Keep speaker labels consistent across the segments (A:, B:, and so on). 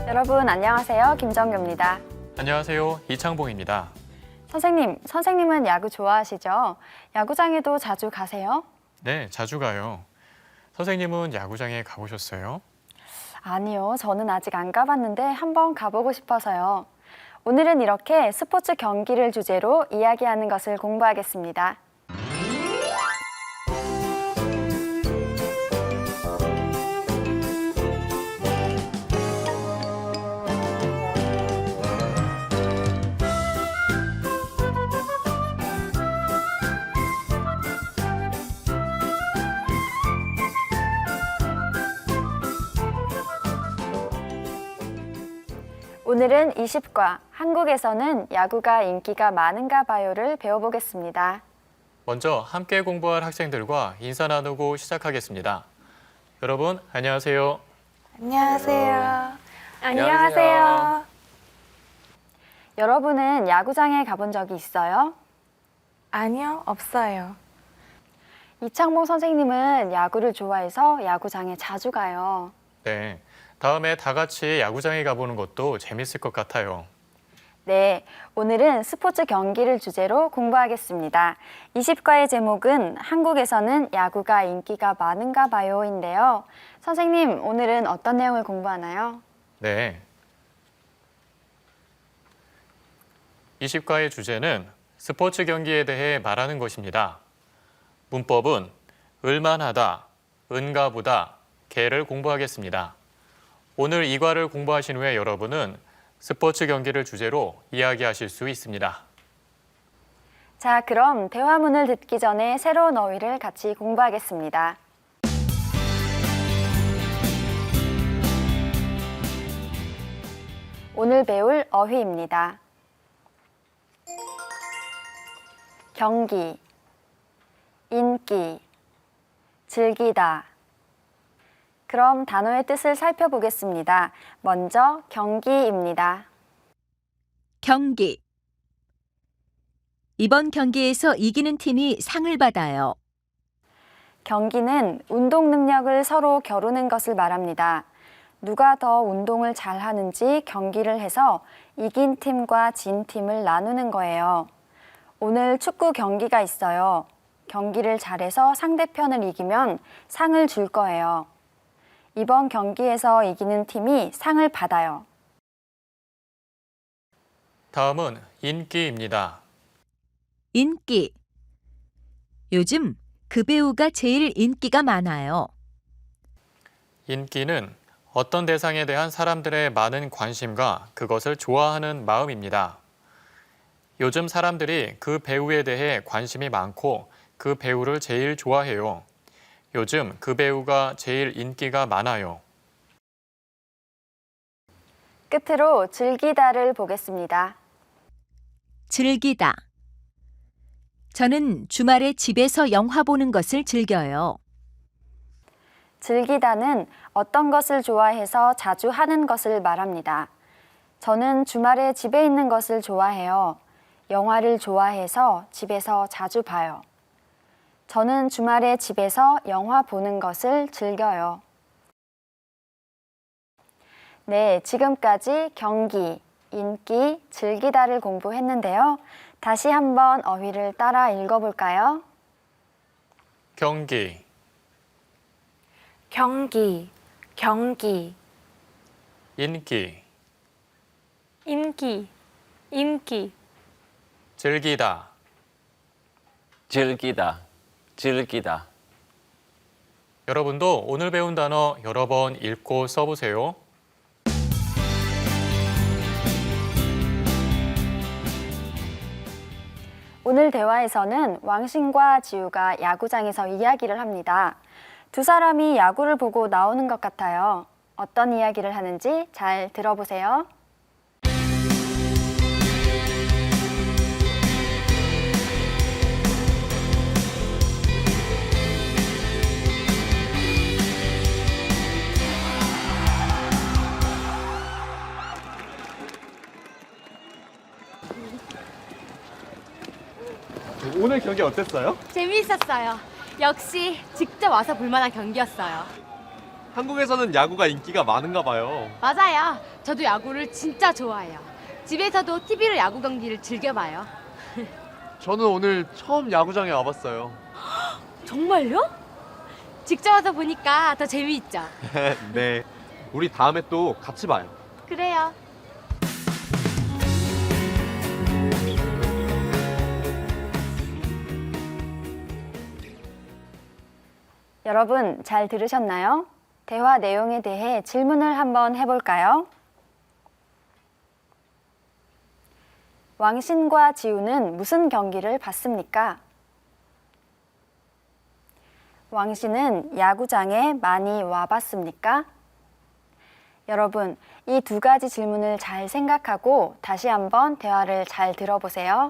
A: 여러분 안녕하세요. 김정규입니다.
B: 안녕하세요. 이창봉입니다.
A: 선생님은 야구 좋아하시죠? 야구장에도 자주 가세요?
B: 네, 자주 가요. 선생님은 야구장에 가보셨어요?
A: 아니요, 저는 아직 안 가봤는데 한번 가보고 싶어서요. 오늘은 이렇게 스포츠 경기를 주제로 이야기하는 것을 공부하겠습니다. 오늘은 20과 한국에서는 야구가 인기가 많은가 봐요를 배워보겠습니다.
B: 먼저 함께 공부할 학생들과 인사 나누고 시작하겠습니다. 여러분, 안녕하세요.
C: 안녕하세요.
A: 안녕하세요. 여러분은 야구장에 가본 적이 있어요?
C: 아니요, 없어요.
A: 이창봉 선생님은 야구를 좋아해서 야구장에 자주 가요.
B: 네, 다음에 다 같이 야구장에 가보는 것도 재밌을 것 같아요.
A: 네, 오늘은 스포츠 경기를 주제로 공부하겠습니다. 20과의 제목은 한국에서는 야구가 인기가 많은가 봐요인데요. 선생님, 오늘은 어떤 내용을 공부하나요?
B: 네. 20과의 주제는 스포츠 경기에 대해 말하는 것입니다. 문법은 을만하다, 은가보다, 개를 공부하겠습니다. 오늘 이 과를 공부하신 후에 여러분은 스포츠 경기를 주제로 이야기하실 수 있습니다.
A: 자, 그럼 대화문을 듣기 전에 새로운 어휘를 같이 공부하겠습니다. 오늘 배울 어휘입니다. 경기, 인기, 즐기다. 그럼 단어의 뜻을 살펴보겠습니다. 먼저 경기입니다.
D: 경기. 이번 경기에서 이기는 팀이 상을 받아요.
A: 경기는 운동 능력을 서로 겨루는 것을 말합니다. 누가 더 운동을 잘하는지 경기를 해서 이긴 팀과 진 팀을 나누는 거예요. 오늘 축구 경기가 있어요. 경기를 잘해서 상대편을 이기면 상을 줄 거예요. 이번 경기에서 이기는 팀이 상을 받아요.
B: 다음은 인기입니다.
D: 인기. 요즘 그 배우가 제일 인기가 많아요.
B: 인기는 어떤 대상에 대한 사람들의 많은 관심과 그것을 좋아하는 마음입니다. 요즘 사람들이 그 배우에 대해 관심이 많고 그 배우를 제일 좋아해요. 요즘 그 배우가 제일 인기가 많아요.
A: 끝으로 즐기다를 보겠습니다.
D: 즐기다. 저는 주말에 집에서 영화 보는 것을 즐겨요.
A: 즐기다는 어떤 것을 좋아해서 자주 하는 것을 말합니다. 저는 주말에 집에 있는 것을 좋아해요. 영화를 좋아해서 집에서 자주 봐요. 저는 주말에 집에서 영화 보는 것을 즐겨요. 네, 지금까지 경기, 인기, 즐기다를 공부했는데요. 다시 한번 어휘를 따라 읽어볼까요?
B: 경기,
C: 경기, 경기,
B: 인기,
C: 인기, 인기,
B: 즐기다.
E: 즐기다, 즐기다.
B: 여러분도 오늘 배운 단어 여러 번 읽고 써보세요.
A: 오늘 대화에서는 왕신과 지우가 야구장에서 이야기를 합니다. 두 사람이 야구를 보고 나오는 것 같아요. 어떤 이야기를 하는지 잘 들어보세요.
F: 오늘 경기 어땠어요?
G: 재미있었어요. 역시 직접 와서 볼 만한 경기였어요.
F: 한국에서는 야구가 인기가 많은가 봐요.
G: 맞아요. 저도 야구를 진짜 좋아해요. 집에서도 TV로 야구 경기를 즐겨봐요.
F: 저는 오늘 처음 야구장에 와봤어요.
G: 정말요? 직접 와서 보니까 더 재미있죠?
F: 네. 우리 다음에 또 같이 봐요.
G: 그래요.
A: 여러분 잘 들으셨나요? 대화 내용에 대해 질문을 한번 해볼까요? 왕신과 지우는 무슨 경기를 봤습니까? 왕신은 야구장에 많이 와봤습니까? 여러분, 이 두 가지 질문을 잘 생각하고 다시 한번 대화를 잘 들어보세요.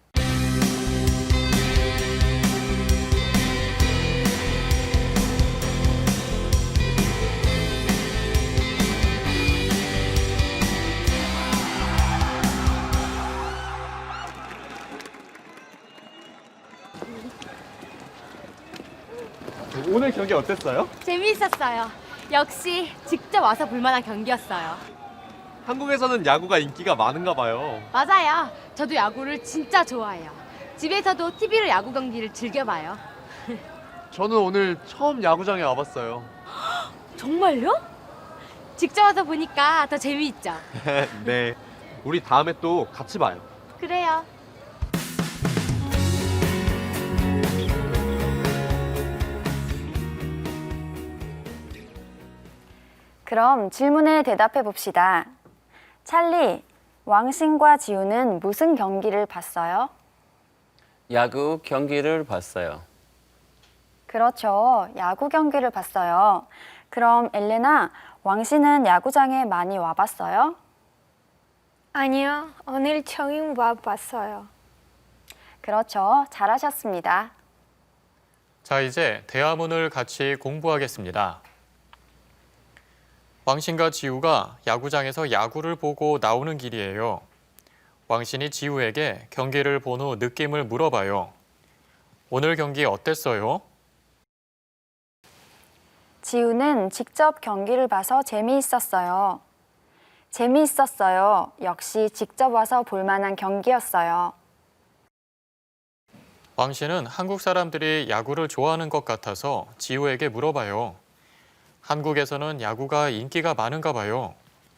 F: 오늘 경기 어땠어요?
G: 재미있었어요. 역시 직접 와서 볼만한 경기였어요.
F: 한국에서는 야구가 인기가 많은가 봐요.
G: 맞아요. 저도 야구를 진짜 좋아해요. 집에서도 TV로 야구 경기를 즐겨봐요.
F: 저는 오늘 처음 야구장에 와봤어요.
G: 정말요? 직접 와서 보니까 더 재미있죠?
F: 네. 우리 다음에 또 같이 봐요.
G: 그래요.
A: 그럼 질문에 대답해 봅시다. 찰리, 왕신과 지우는 무슨 경기를 봤어요?
E: 야구 경기를 봤어요.
A: 그렇죠. 야구 경기를 봤어요. 그럼 엘레나, 왕신은 야구장에 많이 와봤어요?
C: 아니요, 오늘 처음 와봤어요.
A: 그렇죠. 잘하셨습니다.
B: 자, 이제 대화문을 같이 공부하겠습니다. 왕신과 지우가 야구장에서 야구를 보고 나오는 길이에요. 왕신이 지우에게 경기를 본 후 느낌을 물어봐요. 오늘 경기 어땠어요?
A: 지우는 직접 경기를 봐서 재미있었어요. 재미있었어요. 역시 직접 와서 볼 만한 경기였어요.
B: 왕신은 한국 사람들이 야구를 좋아하는 것 같아서 지우에게 물어봐요. 한국에서는 야구가 인기가 많은가 봐요.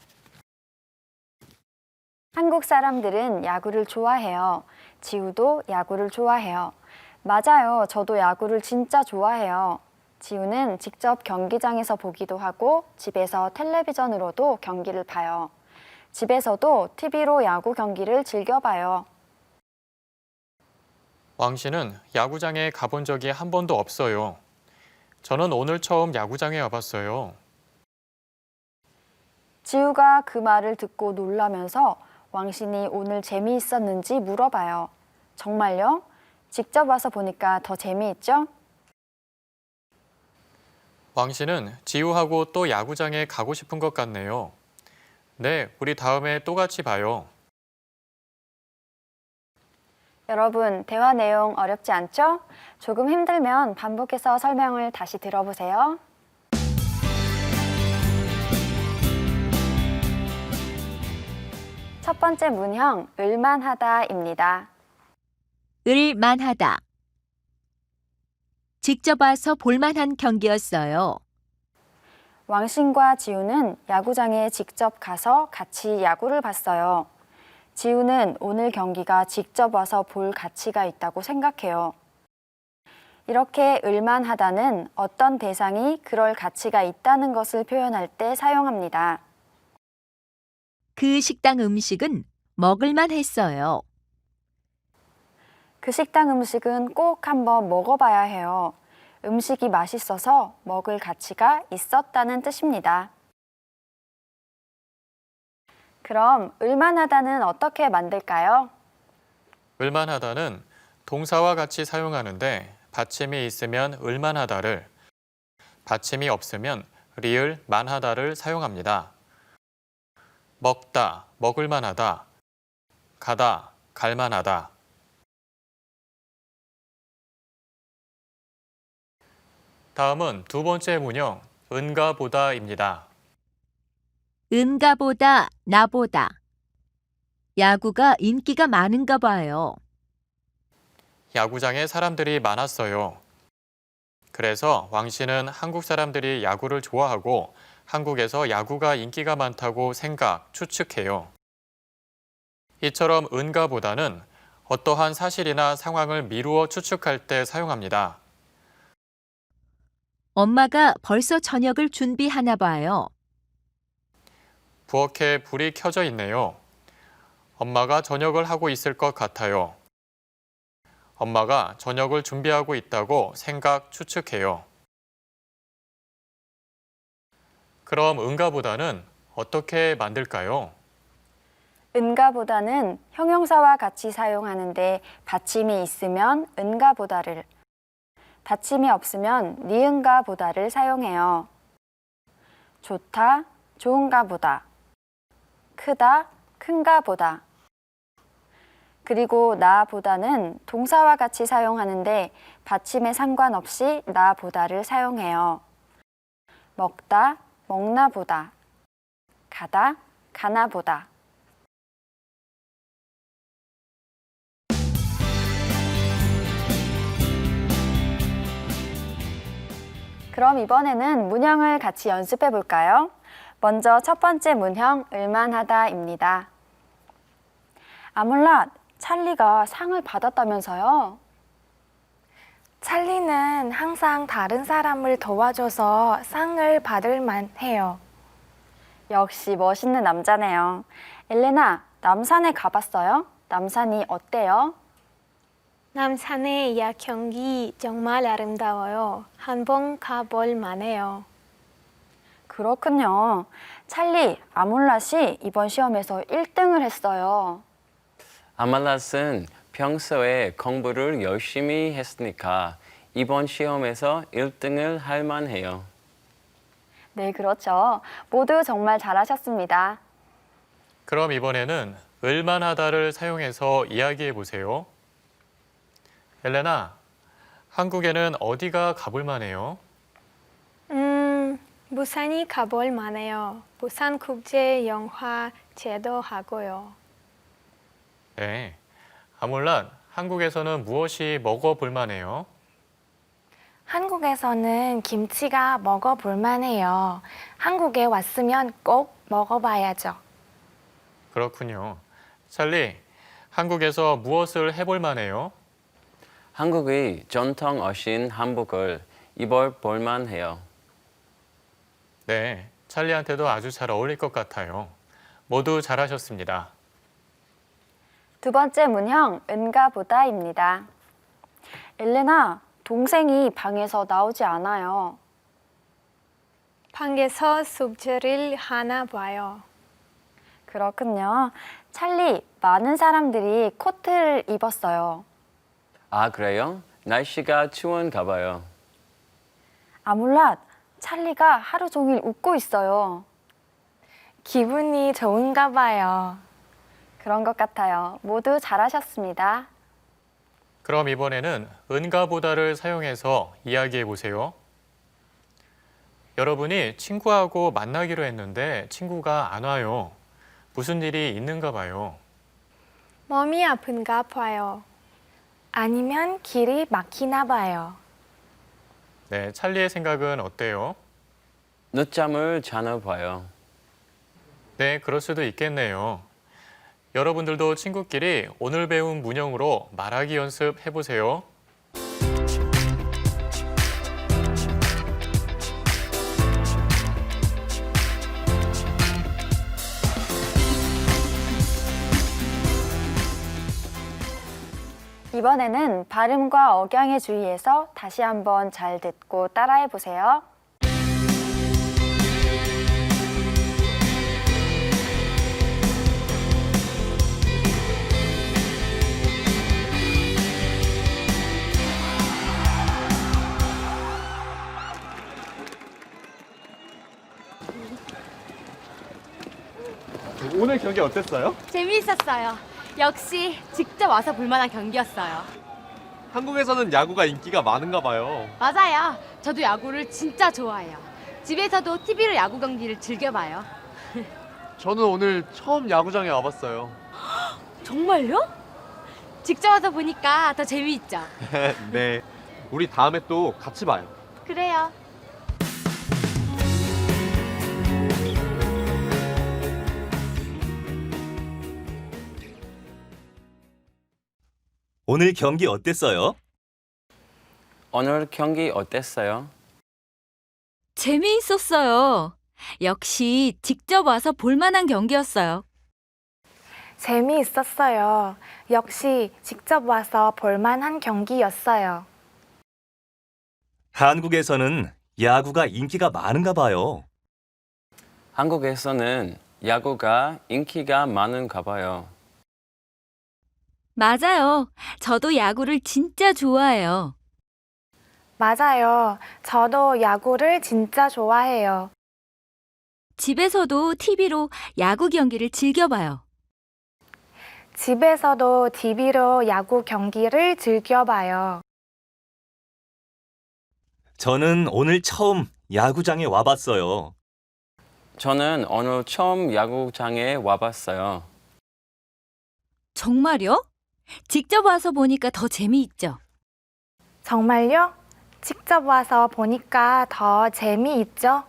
A: 한국 사람들은 야구를 좋아해요. 지우도 야구를 좋아해요. 맞아요. 저도 야구를 진짜 좋아해요. 지우는 직접 경기장에서 보기도 하고 집에서 텔레비전으로도 경기를 봐요. 집에서도 TV로 야구 경기를 즐겨봐요.
B: 왕신은 야구장에 가본 적이 한 번도 없어요. 저는 오늘 처음 야구장에 와봤어요.
A: 지우가 그 말을 듣고 놀라면서 왕신이 오늘 재미있었는지 물어봐요. 정말요? 직접 와서 보니까 더 재미있죠?
B: 왕신은 지우하고 또 야구장에 가고 싶은 것 같네요. 네, 우리 다음에 또 같이 봐요.
A: 여러분, 대화 내용 어렵지 않죠? 조금 힘들면 반복해서 설명을 다시 들어보세요. 첫 번째 문형, 을만하다입니다.
D: 을만하다. 직접 와서 볼만한 경기였어요.
A: 왕신과 지우는 야구장에 직접 가서 같이 야구를 봤어요. 지우는 오늘 경기가 직접 와서 볼 가치가 있다고 생각해요. 이렇게 을만하다는 어떤 대상이 그럴 가치가 있다는 것을 표현할 때 사용합니다.
D: 그 식당 음식은 먹을만 했어요.
A: 그 식당 음식은 꼭 한번 먹어봐야 해요. 음식이 맛있어서 먹을 가치가 있었다는 뜻입니다. 그럼 을만하다는 어떻게 만들까요?
B: 을만하다는 동사와 같이 사용하는데 받침이 있으면 을만하다를, 받침이 없으면 리을 만하다를 사용합니다. 먹다, 먹을만하다, 가다, 갈만하다. 다음은 두 번째 문형, 은가보다입니다.
D: 은가보다 나보다. 야구가 인기가 많은가 봐요.
B: 야구장에 사람들이 많았어요. 그래서 왕 씨는 한국 사람들이 야구를 좋아하고 한국에서 야구가 인기가 많다고 추측해요. 이처럼 은가보다는 어떠한 사실이나 상황을 미루어 추측할 때 사용합니다.
D: 엄마가 벌써 저녁을 준비하나 봐요.
B: 부엌에 불이 켜져 있네요. 엄마가 저녁을 하고 있을 것 같아요. 엄마가 저녁을 준비하고 있다고 추측해요. 그럼 은가보다는 어떻게 만들까요?
A: 은가보다는 형용사와 같이 사용하는데 받침이 있으면 은가보다를, 받침이 없으면 니은가보다를 사용해요. 좋다, 좋은가보다, 크다, 큰가보다. 그리고 나보다는 동사와 같이 사용하는데 받침에 상관없이 나보다를 사용해요. 먹다, 먹나보다, 가다, 가나보다. 그럼 이번에는 문형을 같이 연습해 볼까요? 먼저 첫 번째 문형, 을만하다입니다. 아몰랏, 찰리가 상을 받았다면서요?
C: 찰리는 항상 다른 사람을 도와줘서 상을 받을 만해요.
A: 역시 멋있는 남자네요. 엘레나, 남산에 가봤어요? 남산이 어때요?
C: 남산의 야경이 정말 아름다워요. 한번 가볼 만해요.
A: 그렇군요. 찰리, 아몰랏이 이번 시험에서 1등을 했어요.
E: 아말랏은 평소에 공부를 열심히 했으니까 이번 시험에서 1등을 할 만해요.
A: 네, 그렇죠. 모두 정말 잘하셨습니다.
B: 그럼 이번에는 을만하다를 사용해서 이야기해 보세요. 엘레나, 한국에는 어디가 가볼 만해요?
C: 부산이 가볼 만해요. 부산국제영화제도 하고요.
B: 네. 아몰랏, 한국에서는 무엇이 먹어볼 만해요?
H: 한국에서는 김치가 먹어볼 만해요. 한국에 왔으면 꼭 먹어봐야죠.
B: 그렇군요. 찰리, 한국에서 무엇을 해볼 만해요?
E: 한국의 전통 어신 한복을 입어볼 만해요.
B: 네, 찰리한테도 아주 잘 어울릴 것 같아요. 모두 잘하셨습니다.
A: 두 번째 문형, 은가보다입니다. 엘레나, 동생이 방에서 나오지 않아요.
C: 방에서 숙제를 하나 봐요.
A: 그렇군요. 찰리, 많은 사람들이 코트를 입었어요.
E: 아, 그래요? 날씨가 추운가 봐요.
A: 아몰랏, 찰리가 하루 종일 웃고 있어요.
H: 기분이 좋은가 봐요.
A: 그런 것 같아요. 모두 잘하셨습니다.
B: 그럼 이번에는 은가보다를 사용해서 이야기해 보세요. 여러분이 친구하고 만나기로 했는데 친구가 안 와요. 무슨 일이 있는가 봐요.
C: 몸이 아픈가 봐요.
H: 아니면 길이 막히나 봐요.
B: 네, 찰리의 생각은 어때요?
E: 늦잠을 자나 봐요.
B: 네, 그럴 수도 있겠네요. 여러분들도 친구끼리 오늘 배운 문형으로 말하기 연습해 보세요.
A: 이번에는 발음과 억양에 주의해서 다시 한번 잘 듣고 따라해 보세요.
F: 오늘 경기 어땠어요?
G: 재미있었어요. 역시 직접 와서 볼만한 경기였어요.
F: 한국에서는 야구가 인기가 많은가 봐요.
G: 맞아요. 저도 야구를 진짜 좋아해요. 집에서도 TV로 야구 경기를 즐겨봐요.
F: 저는 오늘 처음 야구장에 와봤어요.
G: 정말요? 직접 와서 보니까 더 재미있죠?
F: 네. 우리 다음에 또 같이 봐요.
G: 그래요.
I: 오늘 경기 어땠어요?
E: 오늘 경기 어땠어요?
D: 재미있었어요. 역시 직접 와서 볼만한 경기였어요.
H: 재미있었어요. 역시 직접 와서 볼만한 경기였어요.
I: 한국에서는 야구가 인기가 많은가 봐요.
E: 한국에서는 야구가 인기가 많은가 봐요.
D: 맞아요. 저도 야구를 진짜 좋아해요.
H: 맞아요. 저도 야구를 진짜 좋아해요.
D: 집에서도 TV로 야구 경기를 즐겨봐요.
H: 집에서도 TV로 야구 경기를 즐겨봐요.
I: 저는 오늘 처음 야구장에 와봤어요.
E: 저는 오늘 처음 야구장에 와봤어요.
D: 정말요? 직접 와서 보니까 더 재미있죠?
H: 정말요? 직접 와서 보니까 더 재미있죠?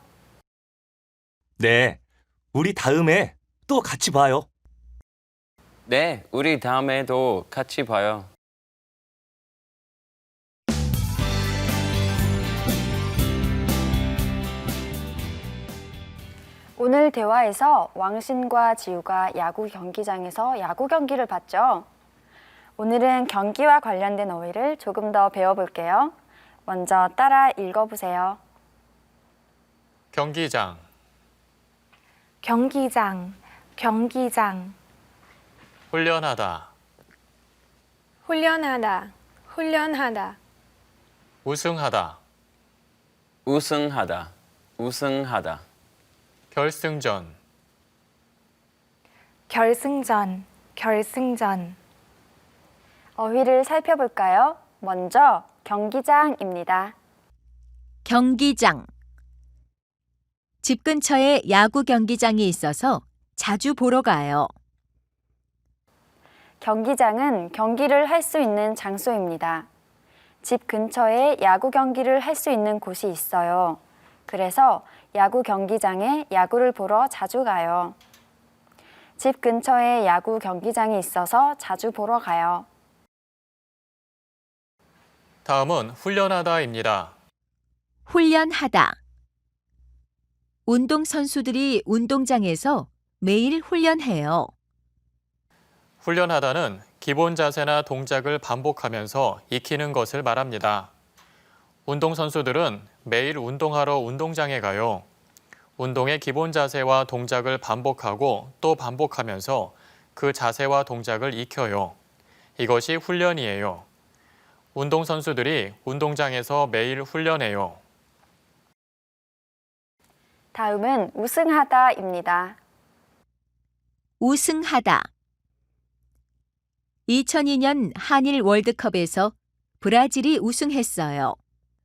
I: 네, 우리 다음에 또 같이 봐요.
E: 네, 우리 다음에도 같이 봐요.
A: 오늘 대화에서 왕신과 지우가 야구 경기장에서 야구 경기를 봤죠. 오늘은 경기와 관련된 어휘를 조금 더 배워볼게요. 먼저 따라 읽어보세요.
B: 경기장,
H: 경기장, 경기장.
B: 훈련하다,
H: 훈련하다, 훈련하다.
B: 우승하다,
E: 우승하다, 우승하다.
B: 결승전,
H: 결승전, 결승전.
A: 어휘를 살펴볼까요? 먼저 경기장입니다.
D: 경기장. 집 근처에 야구 경기장이 있어서 자주 보러 가요.
A: 경기장은 경기를 할 수 있는 장소입니다. 집 근처에 야구 경기를 할 수 있는 곳이 있어요. 그래서 야구 경기장에 야구를 보러 자주 가요. 집 근처에 야구 경기장이 있어서 자주 보러 가요.
B: 다음은 훈련하다입니다.
D: 훈련하다. 운동선수들이 운동장에서 매일 훈련해요.
B: 훈련하다는 기본 자세나 동작을 반복하면서 익히는 것을 말합니다. 운동선수들은 매일 운동하러 운동장에 가요. 운동의 기본 자세와 동작을 반복하고 또 반복하면서 그 자세와 동작을 익혀요. 이것이 훈련이에요. 운동선수들이 운동장에서 매일 훈련해요.
A: 다음은 우승하다입니다.
D: 우승하다. 2002년 한일 월드컵에서 브라질이 우승했어요.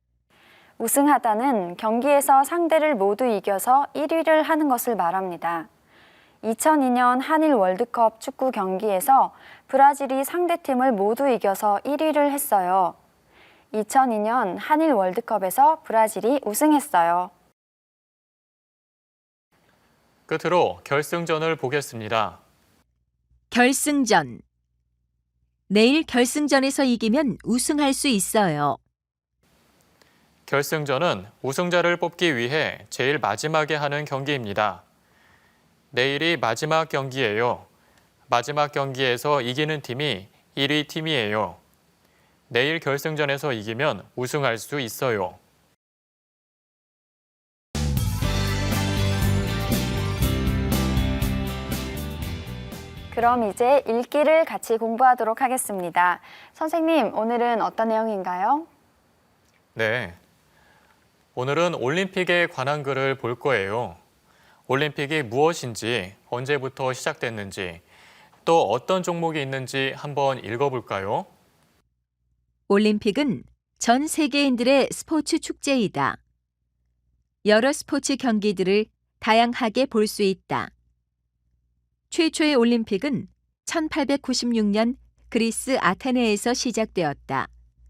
A: 우승하다는 경기에서 상대를 모두 이겨서 1위를 하는 것을 말합니다. 2002년 한일 월드컵 축구 경기에서 브라질이 상대팀을 모두 이겨서 1위를 했어요. 2002년 한일 월드컵에서 브라질이 우승했어요.
B: 끝으로 결승전을 보겠습니다.
D: 결승전. 내일 결승전에서 이기면 우승할 수 있어요.
B: 결승전은 우승자를 뽑기 위해 제일 마지막에 하는 경기입니다. 내일이 마지막 경기예요. 마지막 경기에서 이기는 팀이 1위 팀이에요. 내일 결승전에서 이기면 우승할 수 있어요.
A: 그럼 이제 읽기를 같이 공부하도록 하겠습니다. 선생님, 오늘은 어떤 내용인가요?
B: 네. 오늘은 올림픽에 관한 글을 볼 거예요. 올림픽이 무엇인지, 언제부터 시작됐는지, 또 어떤 종목이 있는지 한번 읽어볼까요?
D: 올림픽은 전 세계인들의 스포츠 축제이다. 여러 스포츠 경기들을 다양하게 볼 수 있다. 최초의 올림픽은 1896년 그리스 아테네에서 시작되었다.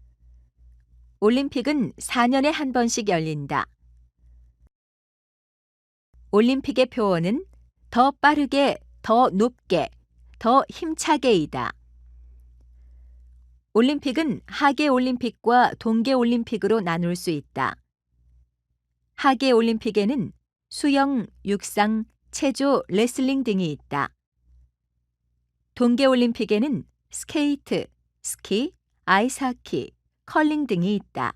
D: 올림픽은 4년에 한 번씩 열린다. 올림픽의 표어는 더 빠르게, 더 높게, 더 힘차게이다. 올림픽은 하계 올림픽과 동계 올림픽으로 나눌 수 있다. 하계 올림픽에는 수영, 육상, 체조, 레슬링 등이 있다. 동계 올림픽에는 스케이트, 스키, 아이스하키, 컬링 등이 있다.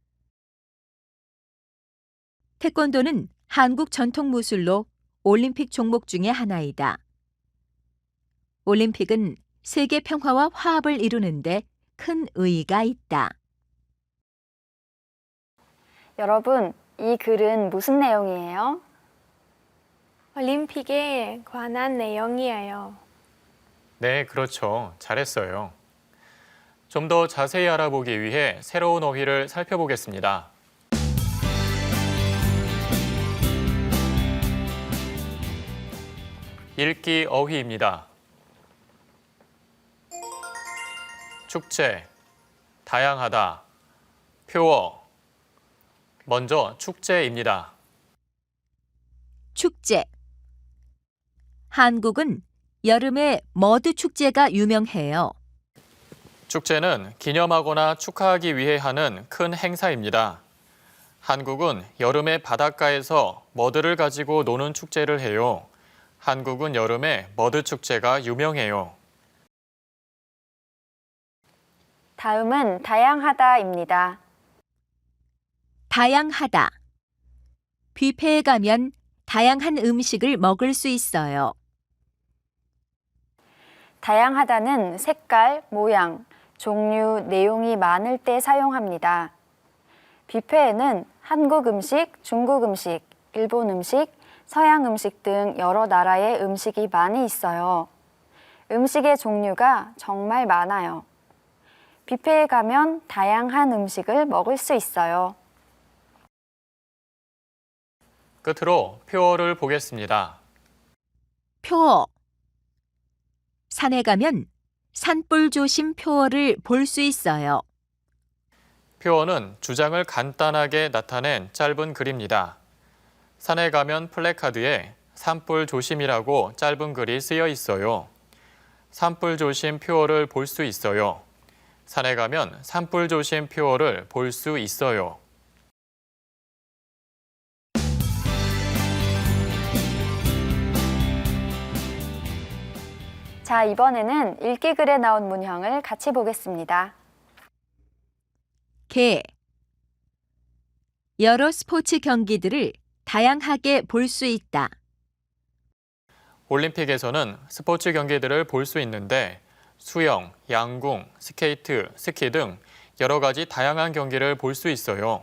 D: 태권도는 한국 전통 무술로 올림픽 종목 중의 하나이다. 올림픽은 세계 평화와 화합을 이루는데 큰 의의가 있다.
A: 여러분, 이 글은 무슨 내용이에요?
H: 올림픽에 관한 내용이에요.
B: 네, 그렇죠. 잘했어요. 좀 더 자세히 알아보기 위해 새로운 어휘를 살펴보겠습니다. 읽기 어휘입니다. 축제, 다양하다, 표어. 먼저 축제입니다.
D: 축제. 한국은 여름에 머드 축제가 유명해요.
B: 축제는 기념하거나 축하하기 위해 하는 큰 행사입니다. 한국은 여름에 바닷가에서 머드를 가지고 노는 축제를 해요. 한국은 여름에 머드 축제가 유명해요.
A: 다음은 다양하다입니다.
D: 다양하다. 뷔페에 가면 다양한 음식을 먹을 수 있어요.
A: 다양하다는 색깔, 모양, 종류, 내용이 많을 때 사용합니다. 뷔페에는 한국 음식, 중국 음식, 일본 음식, 서양 음식 등 여러 나라의 음식이 많이 있어요. 음식의 종류가 정말 많아요. 뷔페에 가면 다양한 음식을 먹을 수 있어요.
B: 끝으로 표어를 보겠습니다.
D: 표어. 산에 가면 산불 조심 표어를 볼 수 있어요.
B: 표어는 주장을 간단하게 나타낸 짧은 글입니다. 산에 가면 플래카드에 산불 조심이라고 짧은 글이 쓰여 있어요. 산불 조심 표어를 볼 수 있어요. 산에 가면 산불 조심 표어를 볼 수 있어요.
A: 자, 이번에는 읽기 글에 나온 문형을 같이 보겠습니다.
D: 개. 여러 스포츠 경기들을 다양하게 볼 수 있다.
B: 올림픽에서는 스포츠 경기들을 볼 수 있는데 수영, 양궁, 스케이트, 스키 등 여러 가지 다양한 경기를 볼 수 있어요.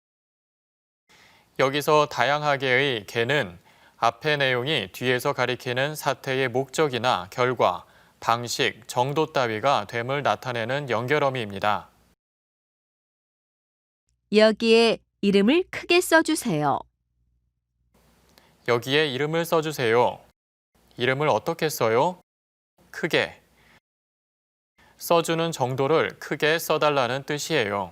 B: 여기서 다양하게의 개는 앞의 내용이 뒤에서 가리키는 사태의 목적이나 결과, 방식, 정도 따위가 됨을 나타내는 연결어미입니다.
D: 여기에 이름을 크게 써주세요.
B: 여기에 이름을 써주세요. 이름을 어떻게 써요? 크게. 써주는 정도를 크게 써달라는 뜻이에요.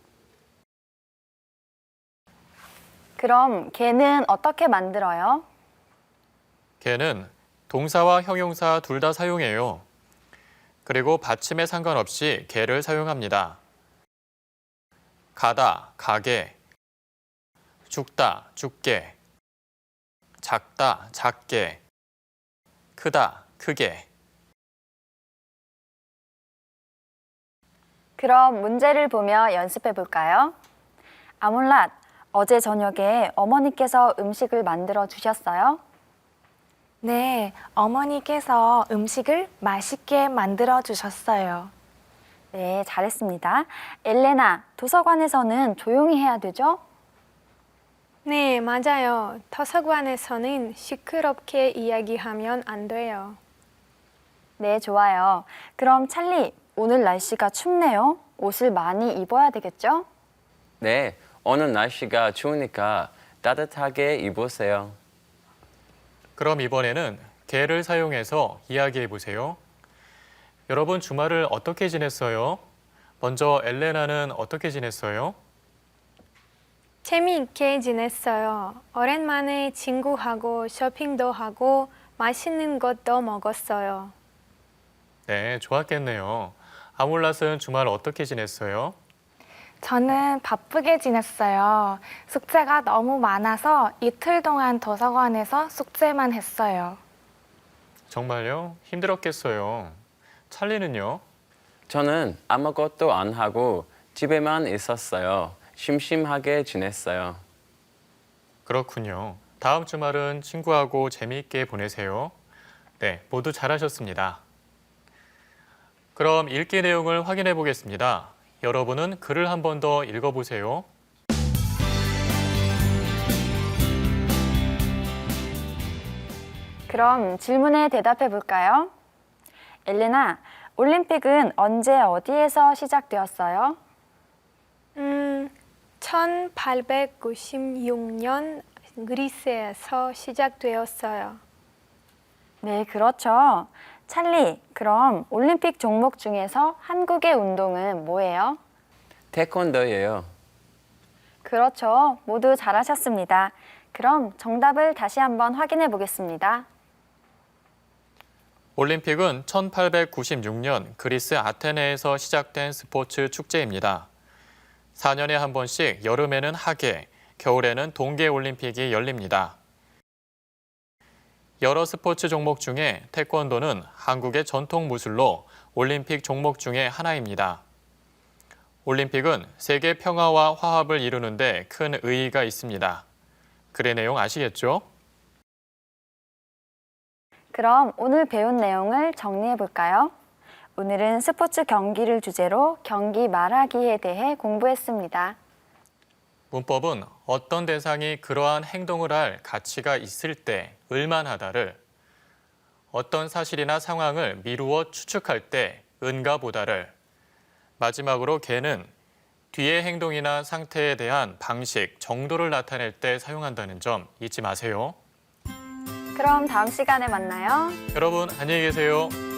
A: 그럼 개는 어떻게 만들어요?
B: 개는 동사와 형용사 둘 다 사용해요. 그리고 받침에 상관없이 개를 사용합니다. 가다, 가게. 죽다, 죽게. 작다, 작게. 크다, 크게.
A: 그럼 문제를 보며 연습해 볼까요? 아몰랏, 어제 저녁에 어머니께서 음식을 만들어 주셨어요?
H: 네, 어머니께서 음식을 맛있게 만들어 주셨어요.
A: 네, 잘했습니다. 엘레나, 도서관에서는 조용히 해야 되죠?
J: 네, 맞아요. 도서관에서는 시끄럽게 이야기하면 안 돼요.
A: 네, 좋아요. 그럼 찰리, 오늘 날씨가 춥네요. 옷을 많이 입어야 되겠죠?
E: 네, 오늘 날씨가 추우니까 따뜻하게 입으세요.
B: 그럼 이번에는 개를 사용해서 이야기해 보세요. 여러분 주말을 어떻게 지냈어요? 먼저 엘레나는 어떻게 지냈어요?
J: 재미있게 지냈어요. 오랜만에 친구하고 쇼핑도 하고 맛있는 것도 먹었어요.
B: 네, 좋았겠네요. 아몰랏은 주말 어떻게 지냈어요?
H: 저는 바쁘게 지냈어요. 숙제가 너무 많아서 이틀 동안 도서관에서 숙제만 했어요.
B: 정말요? 힘들었겠어요. 찰리는요?
E: 저는 아무것도 안 하고 집에만 있었어요. 심심하게 지냈어요.
B: 그렇군요. 다음 주말은 친구하고 재미있게 보내세요. 네, 모두 잘하셨습니다. 그럼 읽기 내용을 확인해 보겠습니다. 여러분은 글을 한 번 더 읽어보세요.
A: 그럼 질문에 대답해 볼까요? 엘레나, 올림픽은 언제 어디에서 시작되었어요?
J: 1896년 그리스에서 시작되었어요.
A: 네, 그렇죠. 찰리, 그럼 올림픽 종목 중에서 한국의 운동은 뭐예요?
E: 태권도예요.
A: 그렇죠. 모두 잘하셨습니다. 그럼 정답을 다시 한번 확인해 보겠습니다.
B: 올림픽은 1896년 그리스 아테네에서 시작된 스포츠 축제입니다. 4년에 한 번씩 여름에는 하계, 겨울에는 동계 올림픽이 열립니다. 여러 스포츠 종목 중에 태권도는 한국의 전통 무술로 올림픽 종목 중에 하나입니다. 올림픽은 세계 평화와 화합을 이루는 데 큰 의의가 있습니다. 글의 내용 아시겠죠?
A: 그럼 오늘 배운 내용을 정리해 볼까요? 오늘은 스포츠 경기를 주제로 경기 말하기에 대해 공부했습니다.
B: 문법은 어떤 대상이 그러한 행동을 할 가치가 있을 때 을만하다를, 어떤 사실이나 상황을 미루어 추측할 때 은가보다를, 마지막으로 개는 뒤의 행동이나 상태에 대한 방식, 정도를 나타낼 때 사용한다는 점 잊지 마세요.
A: 그럼 다음 시간에 만나요.
B: 여러분 안녕히 계세요.